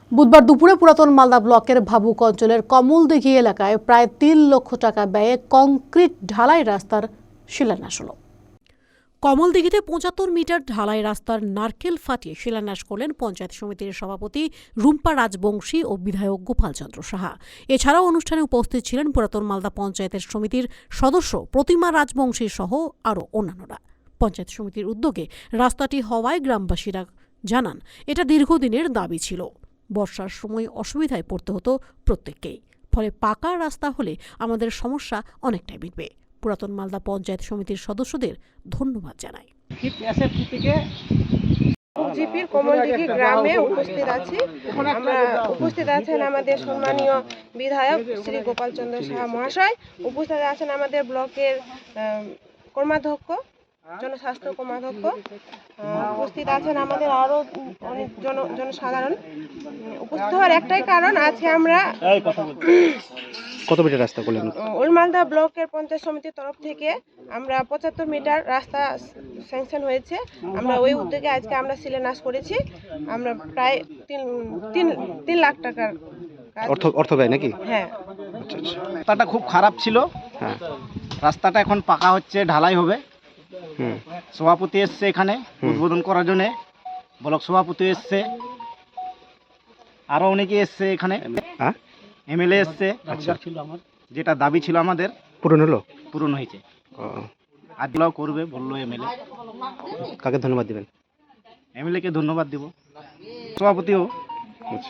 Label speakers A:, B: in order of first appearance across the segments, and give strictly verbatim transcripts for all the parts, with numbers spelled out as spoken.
A: বুধবার দুপুরে পুরাতন মালদা ব্লকের ভাবুক অঞ্চলের কমলদিঘি এলাকায় প্রায় তিন লক্ষ টাকা ব্যয়ে কংক্রিট ঢালাই রাস্তার শিলান্যাস হল। কমলদিঘিতে পঁচাত্তর মিটার ঢালাই রাস্তার নারকেল ফাটিয়ে শিলান্যাস করলেন পঞ্চায়েত সমিতির সভাপতি রুম্পা রাজবংশী ও বিধায়ক গোপাল চন্দ্র সাহা। এছাড়াও অনুষ্ঠানে উপস্থিত ছিলেন পুরাতন মালদা পঞ্চায়েতের সমিতির সদস্য প্রতিমা রাজবংশী সহ আরও অন্যান্যরা। পঞ্চায়েত সমিতির উদ্যোগে রাস্তাটি হওয়ায় গ্রামবাসীরা জানান এটা দীর্ঘদিনের দাবি ছিল। বর্ষার সময় অসুবিধায় পড়তে হতো প্রত্যেককেই, ফলে পাকা রাস্তা হলে আমাদের সমস্যা অনেকটাই মিটবে। পুরাতন মালদা পঞ্চায়েত সমিতির সদস্যদের ধন্যবাদ জানাই।
B: জিপির কমলদিঘি গ্রামে উপস্থিত আছি। আমরা উপস্থিত আছেন আমাদের সম্মানীয় বিধায়ক শ্রী গোপাল চন্দ্র সাহা মহাশয়, উপস্থিত আছেন আমাদের ব্লকের কর্মাধ্যক্ষ জনস্বাস্থ্য কর্মাধ্যক্ষ, উপস্থিত আছেন আমাদের আরো অনেক জন জনসাধারণ। উপস্থিত হওয়ার একটাই কারণ, আজকে আমরা
C: কত মিটার রাস্তা করলেন?
B: ওল্ড মালদা ব্লকের পঞ্চায়েত সমিতির তরফ থেকে আমরা পঁচাত্তর মিটার রাস্তা স্যাংশন হয়েছে। আমরা ওই উদ্যোগে আজকে আমরা শিলান্যাস করেছি। আমরা প্রায় তিন তিন তিন লাখ টাকার
C: অর্থ অর্থ ব্যয় নাকি?
B: হ্যাঁ।
C: আচ্ছা আচ্ছা।
D: রাস্তাটা খুব খারাপ ছিল,
C: হ্যাঁ।
D: রাস্তাটা এখন পাকা হচ্ছে, ঢালাই হবে।
C: হুম।
D: সভাপতি এসছে এখানে উদ্বোধন করার জন্য, ব্লক সভাপতি এসছে, আরো অনেকে এসছে এখানে,
C: হ্যাঁ
D: এমএলএ এসছে।
C: আচ্ছা,
D: যেটা দাবি ছিল আমাদের
C: পূরণ হলো?
D: পূরণ হয়েছে।
C: ও,
D: আর ব্লক করবে বললো এমএলএ।
C: কাকে ধন্যবাদ দিবেন?
D: এমএলএ কে ধন্যবাদ দিব, সভাপতিও।
C: আচ্ছা,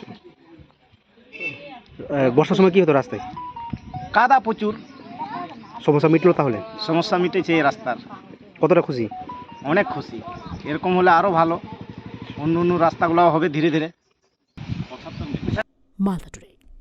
C: আহ, বর্ষার সময় কি হতো রাস্তায়?
D: কাদা প্রচুর,
C: সমস্যা মিটলো তাহলে?
D: সমস্যা মিটেছে এই রাস্তার।
C: কতটা খুশি?
D: অনেক খুশি, এরকম হলে আরো ভালো, অন্য অন্য রাস্তাগুলো হবে ধীরে ধীরে।
A: মালদা টুডে।